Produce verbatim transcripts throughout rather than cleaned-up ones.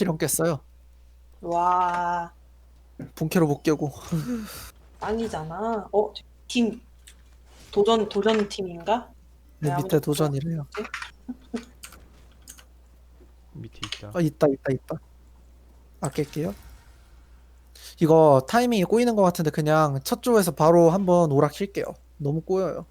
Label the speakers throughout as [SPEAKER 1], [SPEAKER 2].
[SPEAKER 1] 실험 깼어요.
[SPEAKER 2] 와,
[SPEAKER 1] 본캐로 못 깨고.
[SPEAKER 2] 짱이잖아. 어, 팀 도전 도전 팀인가?
[SPEAKER 1] 내
[SPEAKER 2] 네,
[SPEAKER 1] 밑에
[SPEAKER 2] 아무튼
[SPEAKER 1] 도전이래요.
[SPEAKER 3] 밑에 있다.
[SPEAKER 1] 아, 있다, 있다, 있다. 아낄게요. 이거 타이밍이 꼬이는 것 같은데 그냥 첫 조에서 바로 한번 오락 킬게요. 너무 꼬여요.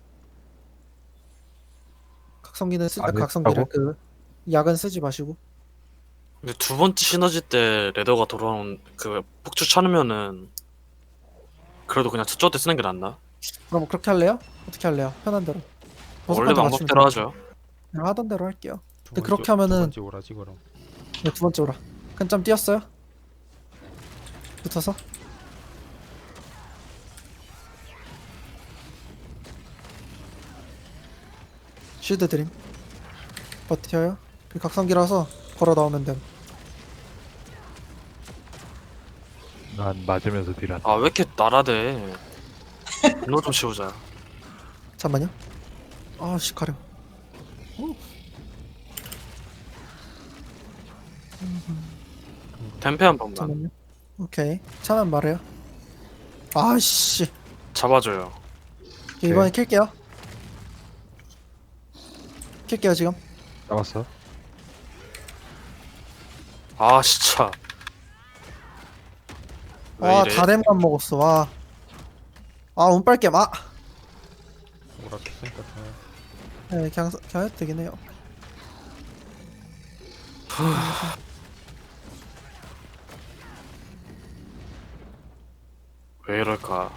[SPEAKER 1] 각성기는 쓰, 아,
[SPEAKER 4] 안
[SPEAKER 1] 각성기를
[SPEAKER 4] 했다고?
[SPEAKER 1] 그 약은 쓰지 마시고.
[SPEAKER 5] 근데 두 번째 시너지 때 레더가 돌아온 그 폭주 차면은 그래도 그냥 첫째 때 쓰는 게 낫나?
[SPEAKER 1] 그럼 그렇게 할래요? 어떻게 할래요? 편한 대로.
[SPEAKER 5] 원래
[SPEAKER 1] 버섯한테 맞추면
[SPEAKER 5] 방법대로
[SPEAKER 1] 돼요.
[SPEAKER 5] 하죠.
[SPEAKER 1] 그냥 하던 대로 할게요.
[SPEAKER 3] 두
[SPEAKER 1] 근데
[SPEAKER 3] 번째-
[SPEAKER 1] 그렇게 하면은-
[SPEAKER 3] 두 번째 오라지 그럼.
[SPEAKER 1] 네, 두 번째 오락. 큰 점 띄었어요? 붙어서. 쉴드 드림. 버텨요. 그 각성기라서 걸어 나오면 됨.
[SPEAKER 4] 난 맞으면서 딜한다.
[SPEAKER 5] 아 왜 이렇게 날아대? 분노 좀 치우자.
[SPEAKER 1] 잠만요. 아씨 가려.
[SPEAKER 5] 템페 한 번만
[SPEAKER 1] 잠만요. 오케이. 차면 말해요. 아씨.
[SPEAKER 5] 잡아줘요.
[SPEAKER 1] 이번에 킬게요. 킬게요 지금.
[SPEAKER 4] 잡았어?
[SPEAKER 5] 아 진짜. 왜
[SPEAKER 1] 아
[SPEAKER 5] 이래?
[SPEAKER 1] 다렘만 먹었어. 와. 아 운빨게 아.
[SPEAKER 3] 오라 켰으니까 그냥
[SPEAKER 1] 네 그냥 그냥 해도 되긴 해요.
[SPEAKER 5] 왜 이럴까?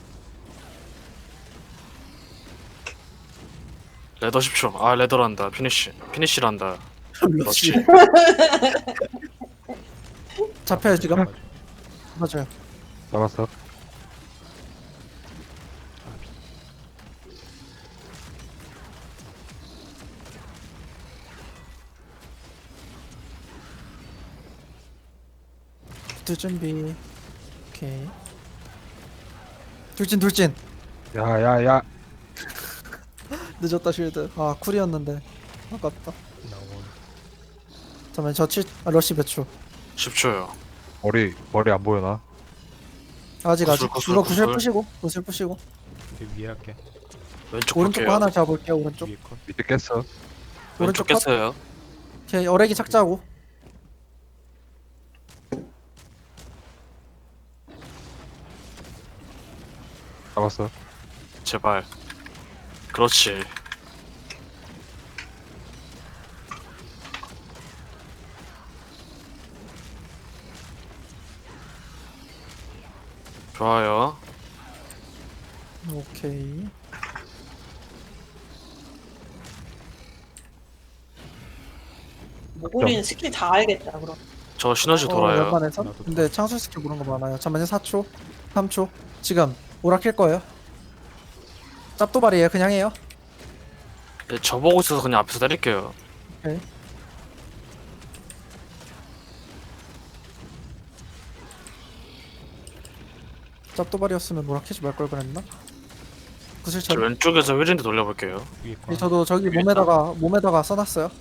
[SPEAKER 5] 레더 십 초. 아 레더란다. 피니쉬. 피니쉬란다.
[SPEAKER 1] 러쉬.
[SPEAKER 5] 러쉬.
[SPEAKER 1] 잡혀요 지금. 맞아요.
[SPEAKER 4] 잡았어?
[SPEAKER 1] 둘 준비. 오케이. 둘진 둘진.
[SPEAKER 4] 야야야.
[SPEAKER 1] 늦었다 쉴드. 아 쿨이었는데. 아깝다.
[SPEAKER 3] 나온.
[SPEAKER 1] 잠깐만 저 칠. 아, 러쉬 몇 초?
[SPEAKER 5] 십 초요.
[SPEAKER 4] 머리 머리 안 보여나?
[SPEAKER 1] 아직
[SPEAKER 5] 구슬,
[SPEAKER 1] 아직.
[SPEAKER 5] 구슬,
[SPEAKER 1] 이거 구슬
[SPEAKER 5] 구슬.
[SPEAKER 1] 푸시고. 구슬 푸시고.
[SPEAKER 3] 이제 위에 할게.
[SPEAKER 5] 왼쪽
[SPEAKER 1] 오른쪽 거
[SPEAKER 5] 볼게요.
[SPEAKER 1] 하나 잡을게요. 오른쪽.
[SPEAKER 3] 위에 컷.
[SPEAKER 4] 밑에 깼어.
[SPEAKER 5] 왼쪽
[SPEAKER 1] 오른쪽 컷.
[SPEAKER 5] 깼어요.
[SPEAKER 1] 오케이 어레기 착자하고.
[SPEAKER 4] 잡았어.
[SPEAKER 5] 제발. 그렇지. 좋아요.
[SPEAKER 1] 오케이.
[SPEAKER 2] 모골이는 스킬 다 알겠다 그럼.
[SPEAKER 5] 저 시너지
[SPEAKER 1] 어,
[SPEAKER 5] 돌아요.
[SPEAKER 1] 웬만해서?
[SPEAKER 3] 나도
[SPEAKER 1] 근데 창술 스킬 그런 거 많아요. 잠깐만요. 사 초. 삼 초. 지금 오락 킬 거예요. 짭도발이에요. 그냥 해요.
[SPEAKER 5] 네, 저보고 있어서 그냥 앞에서 때릴게요.
[SPEAKER 1] 오케이. 짭도발이었으면 오락 키지 말 걸 그랬나? 구슬
[SPEAKER 5] 저
[SPEAKER 1] 처리.
[SPEAKER 5] 왼쪽에서 휘린드 돌려볼게요.
[SPEAKER 3] 위에 컷.
[SPEAKER 1] 네, 저도 저기
[SPEAKER 5] 위에
[SPEAKER 1] 몸에다가 몸에다가 써놨어요.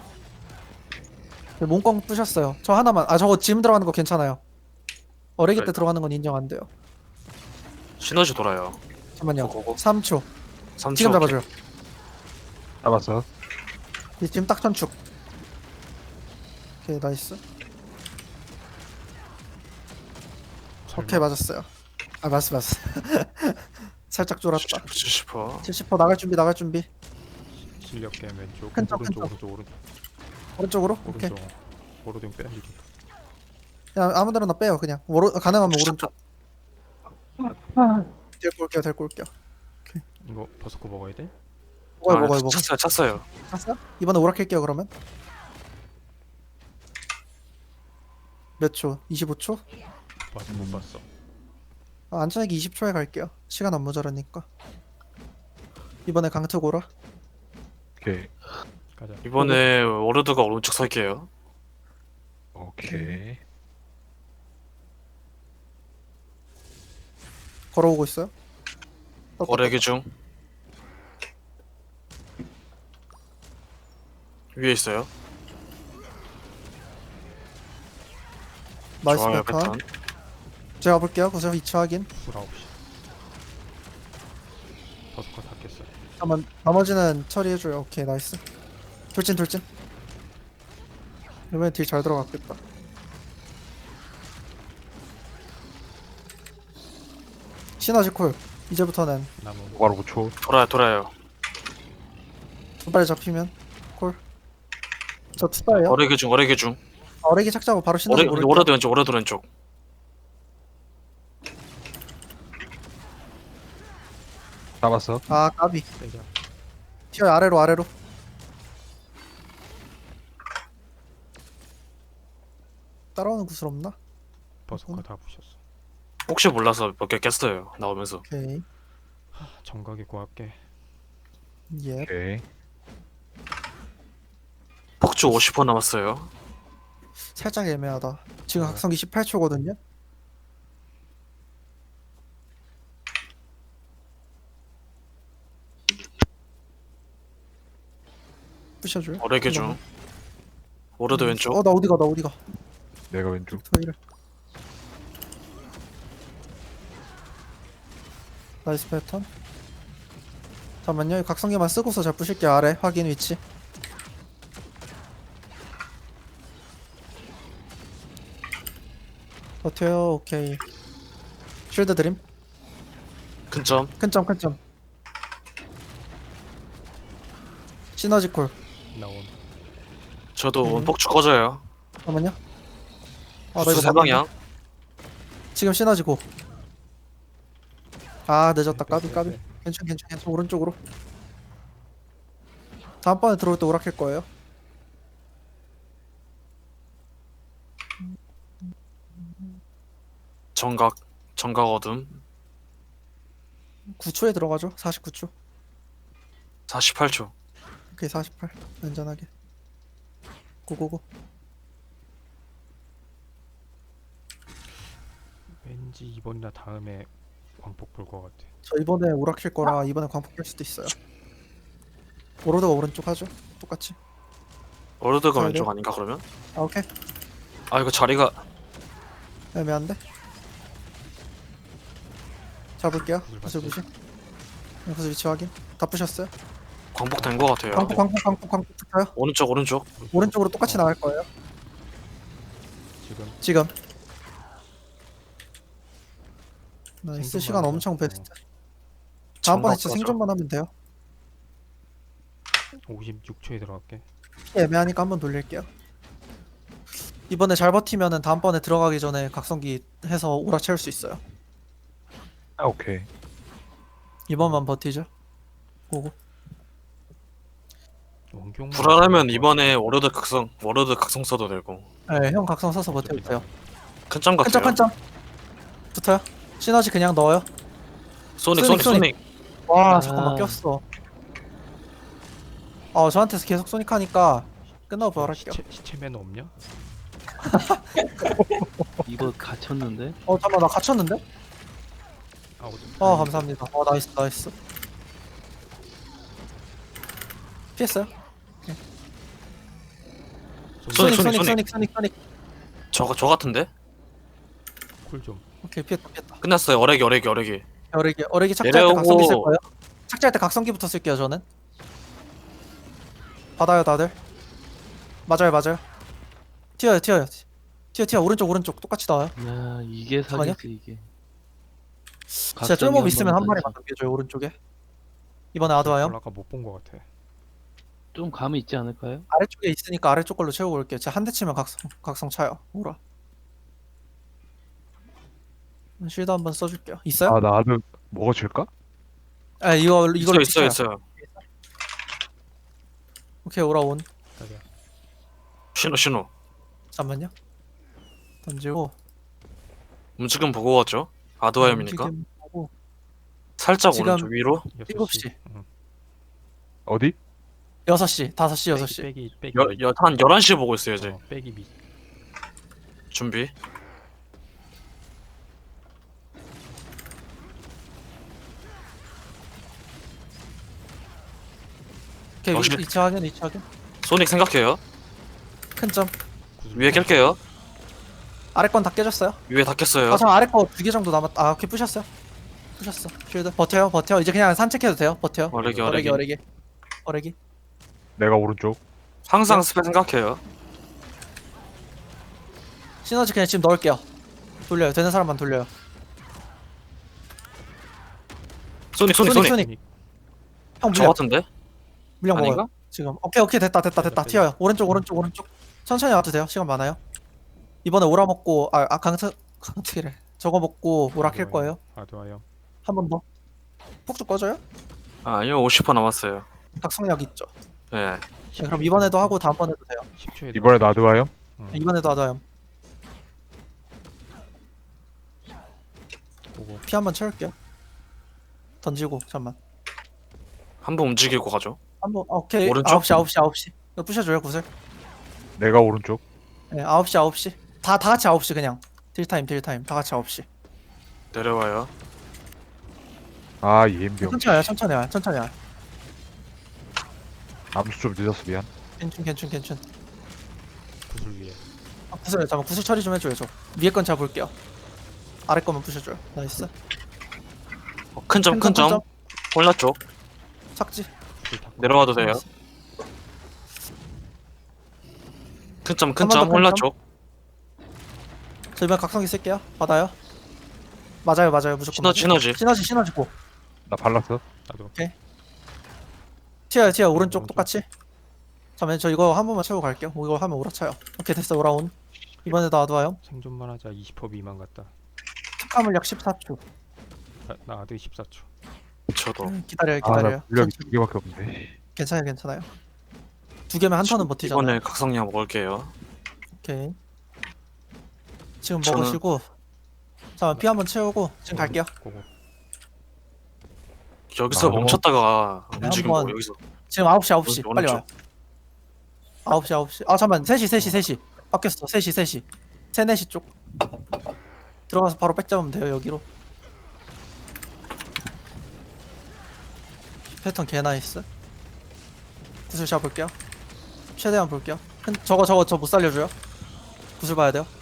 [SPEAKER 1] 네, 몸꽝 부셨어요. 저 하나만. 아 저거 지금 들어가는 거 괜찮아요. 어레기 때
[SPEAKER 5] 그래.
[SPEAKER 1] 들어가는 건 인정 안 돼요.
[SPEAKER 5] 시너지 돌아요.
[SPEAKER 1] 잠깐만요.
[SPEAKER 5] 고고.
[SPEAKER 1] 삼 초.
[SPEAKER 5] 삼 초.
[SPEAKER 1] 지금 잡아줘요.
[SPEAKER 4] 잡았어.
[SPEAKER 1] 이 지금 딱 전축. 오케이 나이스. 오케이 맞았어요. 아 맞았어 맞았어. 살짝 쫄았다.
[SPEAKER 5] 칠십 퍼.
[SPEAKER 1] 칠십 퍼센트 나갈 준비 나갈 준비.
[SPEAKER 3] 실력 게임 왼쪽.
[SPEAKER 1] 큰 점,
[SPEAKER 3] 오른쪽
[SPEAKER 1] 큰
[SPEAKER 3] 오른쪽 오른쪽
[SPEAKER 1] 오른쪽으로. 오케이.
[SPEAKER 3] 오른쪽. 오른쪽 빼야지.
[SPEAKER 1] 그냥 아무데나 빼요 그냥. 오른 가능하면 오른쪽. 데리고 올게요 데리고 올게요.
[SPEAKER 3] 이거 버섯코 먹어야 돼?
[SPEAKER 1] 먹어요
[SPEAKER 5] 아,
[SPEAKER 1] 먹어요 먹어요.
[SPEAKER 5] 찼어요, 찼어요.
[SPEAKER 1] 찼어요? 이번에 오락할게요 그러면. 몇 초? 이십오 초?
[SPEAKER 3] 맞아 못 봤어.
[SPEAKER 1] 아, 안전하게 이십 초에 갈게요. 시간 안 모자라니까. 이번에 강특 오라.
[SPEAKER 4] 오케이.
[SPEAKER 3] 가자.
[SPEAKER 5] 이번에 워르드가 오른쪽 설게요.
[SPEAKER 4] 오케이.
[SPEAKER 1] 걸어오고 있어요.
[SPEAKER 5] 거래기 중. 위에 있어요.
[SPEAKER 1] 나이스
[SPEAKER 5] 좋아요
[SPEAKER 1] 패턴.
[SPEAKER 5] 패턴.
[SPEAKER 1] 제가 볼게요. 구슬 위치 확인.
[SPEAKER 3] 쿨 아홉 시. 버스커 다 깼어요.
[SPEAKER 1] 잠깐만 나머지는 처리해줘요. 오케이 나이스. 돌진 돌진. 이번엔 딜 잘 들어갔겠다. 시너지 콜. 이제부터는
[SPEAKER 3] 나무
[SPEAKER 4] 바로 오 초.
[SPEAKER 5] 돌아요 돌아요.
[SPEAKER 1] 두 발에 잡히면 콜. 저 투다예요.
[SPEAKER 5] 어레기 중 어레기 중.
[SPEAKER 1] 어레기 착자고 바로 시너지
[SPEAKER 5] 오래
[SPEAKER 1] 모를게요.
[SPEAKER 5] 오래도 왼쪽 오래도 왼쪽.
[SPEAKER 4] 잡았어.
[SPEAKER 1] 아 까비.
[SPEAKER 3] 빼자.
[SPEAKER 1] 튀어요 아래로 아래로. 따라오는 구슬 없나?
[SPEAKER 3] 버스커 다 부셨어.
[SPEAKER 5] 혹시 몰라서 몇 개 깼어요 나오면서.
[SPEAKER 1] 오케이.
[SPEAKER 3] 정각이 구할게.
[SPEAKER 1] 예.
[SPEAKER 4] 오케이.
[SPEAKER 5] 폭주 오십 퍼센트 남았어요.
[SPEAKER 1] 살짝 애매하다. 지금
[SPEAKER 3] 네.
[SPEAKER 1] 각성기 십팔 초거든요. 부셔줘요.
[SPEAKER 5] 어레기 중. 오래도 왼쪽.
[SPEAKER 1] 어나 어디가 나 어디가.
[SPEAKER 4] 내가 왼쪽.
[SPEAKER 1] 토이를. 나이스 패턴. 잠깐만요. 이 각성기만 쓰고서 잘 부실게요. 아래 확인 위치. 버텨요. 오케이. 쉴드 드림.
[SPEAKER 5] 큰점.
[SPEAKER 1] 큰점 큰점. 시너지 콜.
[SPEAKER 3] 나온.
[SPEAKER 5] 저도
[SPEAKER 1] 음.
[SPEAKER 5] 폭주 꺼져요.
[SPEAKER 1] 잠깐만요. 아, 나
[SPEAKER 5] 폭주
[SPEAKER 1] 이거
[SPEAKER 5] 세 방향.
[SPEAKER 1] 지금 시너지 고. 아 늦었다.
[SPEAKER 3] 빼,
[SPEAKER 1] 까비
[SPEAKER 3] 빼,
[SPEAKER 1] 까비.
[SPEAKER 3] 빼.
[SPEAKER 1] 괜찮 괜찮 괜찮. 오른쪽으로. 다음번에 들어올 때 오락할 거예요.
[SPEAKER 5] 정각 정각 어둠.
[SPEAKER 1] 구 초에 들어가죠. 사십구 초.
[SPEAKER 5] 사십팔 초.
[SPEAKER 1] 오케이 사십팔. 안전하게. 고고고.
[SPEAKER 3] 왠지 이번이나 다음에 광폭 볼 것 같아.
[SPEAKER 1] 저 이번에 오락킬 거라 이번에 광폭 뺄 수도 있어요. 오로드가 오른쪽 하죠. 똑같이.
[SPEAKER 5] 오래도가
[SPEAKER 1] 가야
[SPEAKER 5] 왼쪽
[SPEAKER 1] 돼요?
[SPEAKER 5] 아닌가 그러면?
[SPEAKER 1] 아 오케이.
[SPEAKER 5] 아 이거 자리가
[SPEAKER 1] 애매한데. 잡을게요.
[SPEAKER 3] 구슬
[SPEAKER 1] 구슬
[SPEAKER 3] 봤지?
[SPEAKER 1] 부시. 네, 구슬 위치 확인. 다 부셨어요.
[SPEAKER 5] 광폭된 것 같아요.
[SPEAKER 1] 광폭 광폭 광폭 광폭 붙어요.
[SPEAKER 5] 오른쪽 오른쪽.
[SPEAKER 1] 오른쪽으로 똑같이
[SPEAKER 3] 어,
[SPEAKER 1] 나갈 거예요.
[SPEAKER 3] 지금
[SPEAKER 1] 지금. 나이스.
[SPEAKER 3] 생존만
[SPEAKER 1] 시간
[SPEAKER 3] 하자.
[SPEAKER 1] 엄청
[SPEAKER 3] 어.
[SPEAKER 1] 베스트. 다음번에
[SPEAKER 5] 정각
[SPEAKER 1] 진짜
[SPEAKER 5] 꺼져.
[SPEAKER 1] 생존만 하면 돼요.
[SPEAKER 3] 오십육 초에 들어갈게.
[SPEAKER 1] 애매하니까 한번 돌릴게요. 이번에 잘 버티면은 다음번에 들어가기 전에 각성기 해서 오락 채울 수 있어요.
[SPEAKER 4] 아 오케이.
[SPEAKER 1] 이번만 버티죠. 고고.
[SPEAKER 3] 원경.
[SPEAKER 5] 불안하면 이번에 워로드 각성 워로드 각성 써도 되고.
[SPEAKER 1] 네, 형 각성 써서 버텨주세요.
[SPEAKER 5] 큰점
[SPEAKER 1] 큰 점
[SPEAKER 5] 같아요.
[SPEAKER 1] 큰 점. 붙어요. 시너지 그냥 넣어요.
[SPEAKER 5] 소닉
[SPEAKER 1] 소닉,
[SPEAKER 5] 소닉 소닉.
[SPEAKER 1] 와
[SPEAKER 5] 아.
[SPEAKER 1] 잠깐만 꼈어. 어 저한테서 계속 소닉 하니까 끝나고 부활할게요.
[SPEAKER 3] 시체 시체 매너 없냐?
[SPEAKER 6] 이거 갇혔는데?
[SPEAKER 1] 어 잠깐만 나 갇혔는데?
[SPEAKER 3] 아 어디?
[SPEAKER 1] 어 감사합니다. 어 나이스 나이스. 피했어요?
[SPEAKER 5] 소닉,
[SPEAKER 1] 소닉 소닉
[SPEAKER 5] 소닉.
[SPEAKER 1] 소닉 소닉 소닉.
[SPEAKER 5] 저거 저 같은데?
[SPEAKER 3] 쿨 좀.
[SPEAKER 1] 오케이 피했다 피했다.
[SPEAKER 5] 끝났어요. 어레기 어레기 어레기.
[SPEAKER 1] 어레기 어레기 착지할 때
[SPEAKER 5] 내려오고.
[SPEAKER 1] 각성기 쓸 거예요. 착지할 때 각성기부터 쓸게요 저는. 받아요 다들. 맞아요 맞아요. 튀어요 튀어요. 튀어 튀어 오른쪽 오른쪽 똑같이 나와요.
[SPEAKER 6] 야 이게
[SPEAKER 1] 잠깐만요.
[SPEAKER 6] 사기지 이게.
[SPEAKER 1] 진짜 쫄몹 있으면 한 마리만 남겨줘요 오른쪽에. 이번에 아드와요.
[SPEAKER 3] 아까 못 본 것 같아.
[SPEAKER 6] 좀 감이 있지 않을까요?
[SPEAKER 1] 아래쪽에 있으니까 아래쪽 걸로 채우고 올게요. 제가 한 대 치면 각성 각성 차요. 오라. 쉴드 한번 써줄게요. 있어요?
[SPEAKER 4] 아 나도 먹어줄까?
[SPEAKER 1] 아 이거
[SPEAKER 5] 있어요
[SPEAKER 1] 이걸로
[SPEAKER 5] 있어요
[SPEAKER 1] 찍혀요.
[SPEAKER 5] 있어요.
[SPEAKER 1] 오케이 오라 온.
[SPEAKER 3] 가자.
[SPEAKER 5] 신호 신호.
[SPEAKER 1] 잠만요. 던지고.
[SPEAKER 5] 움직임 보고 왔죠? 아드와염이니까.
[SPEAKER 1] 움직임 보고.
[SPEAKER 5] 살짝
[SPEAKER 1] 지금-
[SPEAKER 5] 오른쪽 위로.
[SPEAKER 1] 일곱 시.
[SPEAKER 3] 응.
[SPEAKER 4] 어디?
[SPEAKER 1] 여섯 시, 다섯 시, 여섯 시.
[SPEAKER 3] 빼기 빼기.
[SPEAKER 5] 여여한 열한 시에 보고 있어요 이제.
[SPEAKER 3] 어, 빼기 미.
[SPEAKER 5] 준비.
[SPEAKER 1] 오케이
[SPEAKER 5] 어, 시-
[SPEAKER 1] 이 차 확인, 이 차 확인.
[SPEAKER 5] 소닉 생각해요.
[SPEAKER 1] 큰 점.
[SPEAKER 3] 구슬
[SPEAKER 5] 위에 깰게요.
[SPEAKER 1] 아래 건 다 깨졌어요.
[SPEAKER 5] 위에 다 깼어요.
[SPEAKER 1] 아, 저 아래 거 두 개 정도 남았. 아, 오케이 부셨어요. 부셨어. 쉴드 버텨요, 버텨. 이제 그냥 산책해도 돼요. 버텨.
[SPEAKER 5] 어레기
[SPEAKER 1] 어레기,
[SPEAKER 5] 어레기.
[SPEAKER 1] 어레기, 어레기.
[SPEAKER 4] 내가 오른쪽.
[SPEAKER 5] 항상 스펙 생각해요.
[SPEAKER 1] 시너지 그냥 지금 넣을게요. 돌려요. 되는 사람만 돌려요.
[SPEAKER 5] 소닉 소닉
[SPEAKER 1] 소닉,
[SPEAKER 5] 소닉.
[SPEAKER 1] 소닉. 형
[SPEAKER 5] 저
[SPEAKER 1] 물량,
[SPEAKER 5] 같은데?
[SPEAKER 1] 물량 먹어요.
[SPEAKER 5] 아닌가?
[SPEAKER 1] 지금. 오케이, 오케이 됐다, 됐다, 됐다.
[SPEAKER 3] 됐다,
[SPEAKER 1] 튀어요. 오른쪽, 오른쪽, 오른쪽. 천천히 와도 돼요. 시간 많아요. 이번에 오라 먹고 아, 아 강트 강트기래. 저거 먹고 오라 킬 거예요.
[SPEAKER 3] 아드와요.
[SPEAKER 1] 한 번 더. 폭죽 꺼져요?
[SPEAKER 5] 아, 아니요 오십 퍼센트 남았어요.
[SPEAKER 1] 각성력 있죠.
[SPEAKER 5] 네.
[SPEAKER 1] 네, 그럼 이번에도 하고 다음번에도 돼요.
[SPEAKER 3] 십 초에
[SPEAKER 4] 이번에 나드와요?
[SPEAKER 3] 응.
[SPEAKER 1] 이번에도 하자요.
[SPEAKER 3] 보고
[SPEAKER 1] 피 한 번 채울게요. 던지고 잠만.
[SPEAKER 5] 한 번 움직이고 가죠.
[SPEAKER 1] 한번 오케이.
[SPEAKER 5] 오른쪽?
[SPEAKER 1] 아홉 시 아홉 시 아홉 시. 이거 부셔줘요 구슬.
[SPEAKER 4] 내가 오른쪽.
[SPEAKER 1] 네, 아홉 시 아홉 시. 다 다 같이 아홉 시 그냥. 딜 타임 딜 타임 다 같이 아홉 시.
[SPEAKER 5] 내려와요.
[SPEAKER 4] 아 이엠병.
[SPEAKER 1] 천천히 와요. 천천히 와요. 천천히 와요.
[SPEAKER 4] 암수 좀 늦었어 미안.
[SPEAKER 1] 괜춘 괜춘 괜춘.
[SPEAKER 3] 구슬 위에.
[SPEAKER 1] 아, 구슬 잠깐 구슬 처리 좀 해줘요 저. 위에 건 잡을게요. 아래 거만 부셔줘요. 나이스.
[SPEAKER 5] 어, 큰 점 큰 점. 홀라 쪽.
[SPEAKER 1] 착지.
[SPEAKER 3] 구슬 다
[SPEAKER 5] 내려와도 돼요. 큰 점 큰
[SPEAKER 1] 한번
[SPEAKER 5] 점.
[SPEAKER 1] 더
[SPEAKER 5] 홀라
[SPEAKER 1] 큰 점.
[SPEAKER 5] 쪽.
[SPEAKER 1] 저 이번 각성기 쓸게요. 받아요. 맞아요 맞아요 무조건.
[SPEAKER 5] 시너지
[SPEAKER 1] 맞아요.
[SPEAKER 5] 시너지.
[SPEAKER 1] 시너지 시너지 고.
[SPEAKER 4] 나 발랐어.
[SPEAKER 3] 나도
[SPEAKER 1] 튀어요 튀어 오른쪽
[SPEAKER 3] 오른쪽.
[SPEAKER 1] 똑같이. 잠깐만 저 이거 한 번만 채우고 갈게요. 뭐 이거 하면 오라차요. 오케이 됐어 오라온. 이번에도 아드와요.
[SPEAKER 3] 생존만 하자. 이십 퍼센트 미만 같다.
[SPEAKER 1] 특화물약 십사 초.
[SPEAKER 3] 나, 나 아드 십사 초.
[SPEAKER 5] 저도.
[SPEAKER 1] 음, 기다려요
[SPEAKER 4] 아나
[SPEAKER 1] 기다려요.
[SPEAKER 4] 물력이 두 개밖에 없네.
[SPEAKER 1] 괜찮아요 괜찮아요. 두 개면 한 턴은 버티잖아요.
[SPEAKER 5] 이번에 각성량 먹을게요.
[SPEAKER 1] 오케이. 지금
[SPEAKER 5] 저는-
[SPEAKER 1] 먹으시고. 잠깐 피 한 번 채우고 지금 갈게요.
[SPEAKER 3] 보고
[SPEAKER 5] 여기서
[SPEAKER 4] 아,
[SPEAKER 5] 멈췄다가 움직이고
[SPEAKER 1] 한번-
[SPEAKER 5] 여기서
[SPEAKER 1] 지금 아홉 시 아홉 시
[SPEAKER 5] 오른쪽,
[SPEAKER 1] 빨리 와요.
[SPEAKER 5] 오른쪽.
[SPEAKER 1] 아홉 시 아홉 시. 아 잠깐만 세 시 세 시 세 시. 바뀌었어 세 시 세 시. 세 네 시 쪽. 들어가서 바로 백 잡으면 돼요 여기로. 패턴 개 나이스. 구슬 잡을게요. 최대한 볼게요. 큰- 저거 저거 저 못 살려줘요. 구슬 봐야 돼요.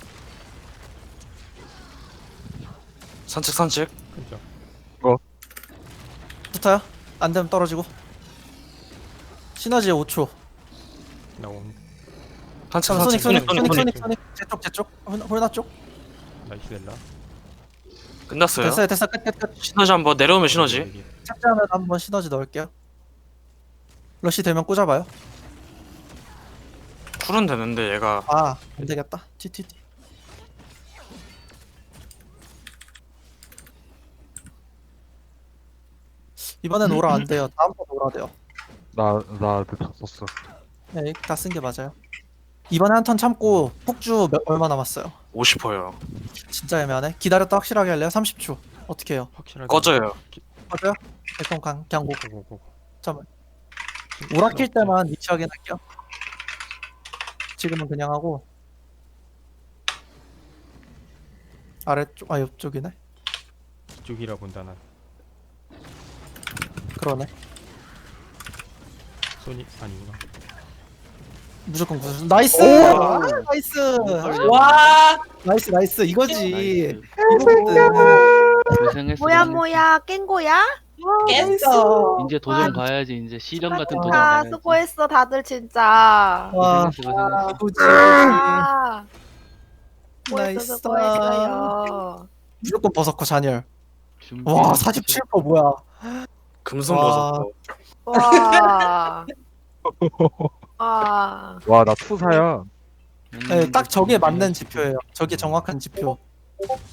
[SPEAKER 5] 산책 산책.
[SPEAKER 3] 큰점.
[SPEAKER 1] 붙어요. 안 되면 떨어지고. 시너지 오 초.
[SPEAKER 3] 나온
[SPEAKER 5] 산책
[SPEAKER 1] 잠깐 소닉
[SPEAKER 5] 산책.
[SPEAKER 1] 소닉 소닉
[SPEAKER 5] 소닉
[SPEAKER 1] 소닉 소닉 제쪽 제쪽 홀- 홀나 쪽.
[SPEAKER 3] 나이스 델라.
[SPEAKER 5] 끝났어요.
[SPEAKER 1] 됐어요 됐어 끝 끝 끝.
[SPEAKER 5] 시너지 한번 내려오면 시너지.
[SPEAKER 3] 여기.
[SPEAKER 1] 착지하면 한번 시너지 넣을게요. 러시 되면 꽂아봐요.
[SPEAKER 5] 쿨은 되는데 얘가
[SPEAKER 1] 아 안되겠다. 티티티. 이번엔 오라 안 돼요. 다음번 오라 돼요.
[SPEAKER 4] 나나다 썼어.
[SPEAKER 1] 네, 다 쓴 게 맞아요. 이번에 한 턴 참고 폭주 몇, 얼마 남았어요?
[SPEAKER 5] 오십 퍼센트요.
[SPEAKER 1] 진짜 애매하네. 기다렸다 확실하게 할래요? 삼십 초. 어떻게 해요?
[SPEAKER 3] 확실하게
[SPEAKER 5] 꺼져요.
[SPEAKER 1] 맞아요? 일단 강, 그냥 고.
[SPEAKER 3] 보고 보고.
[SPEAKER 1] 잠깐만. 오라 킬 때만 위치하게 할게요. 지금은 그냥 하고. 아래쪽, 아 옆쪽이네.
[SPEAKER 3] 이쪽이라 본다 난.
[SPEAKER 1] 그러네.
[SPEAKER 3] 소니 아니구나.
[SPEAKER 1] 무조건 구슬. 나이스! 아, 나이스!
[SPEAKER 2] 와,
[SPEAKER 1] 나이스 나이스 이거지.
[SPEAKER 6] 나이스.
[SPEAKER 1] 이거거든.
[SPEAKER 6] 고생했어.
[SPEAKER 7] 뭐야
[SPEAKER 6] 고생했어.
[SPEAKER 7] 뭐야 깬 거야?
[SPEAKER 2] 깼어.
[SPEAKER 6] 이제 도전
[SPEAKER 7] 와.
[SPEAKER 6] 가야지. 이제 시련 같은 도전
[SPEAKER 7] 아
[SPEAKER 6] 가야지.
[SPEAKER 7] 수고했어 다들 진짜.
[SPEAKER 1] 와,
[SPEAKER 6] 고생했어, 고생했어.
[SPEAKER 1] 이거지.
[SPEAKER 7] 아, 수고했어
[SPEAKER 1] 나이스.
[SPEAKER 7] 수고했어요.
[SPEAKER 1] 무조건 버섯코 잔열.
[SPEAKER 6] 준비.
[SPEAKER 1] 와, 사십칠 퍼센트 뭐야?
[SPEAKER 5] 금손
[SPEAKER 1] 와.
[SPEAKER 5] 버섯.
[SPEAKER 7] 와. 와.
[SPEAKER 4] 와 나 투사야.
[SPEAKER 1] 네, 딱 저게 맞는 지표예요. 저게 정확한 지표.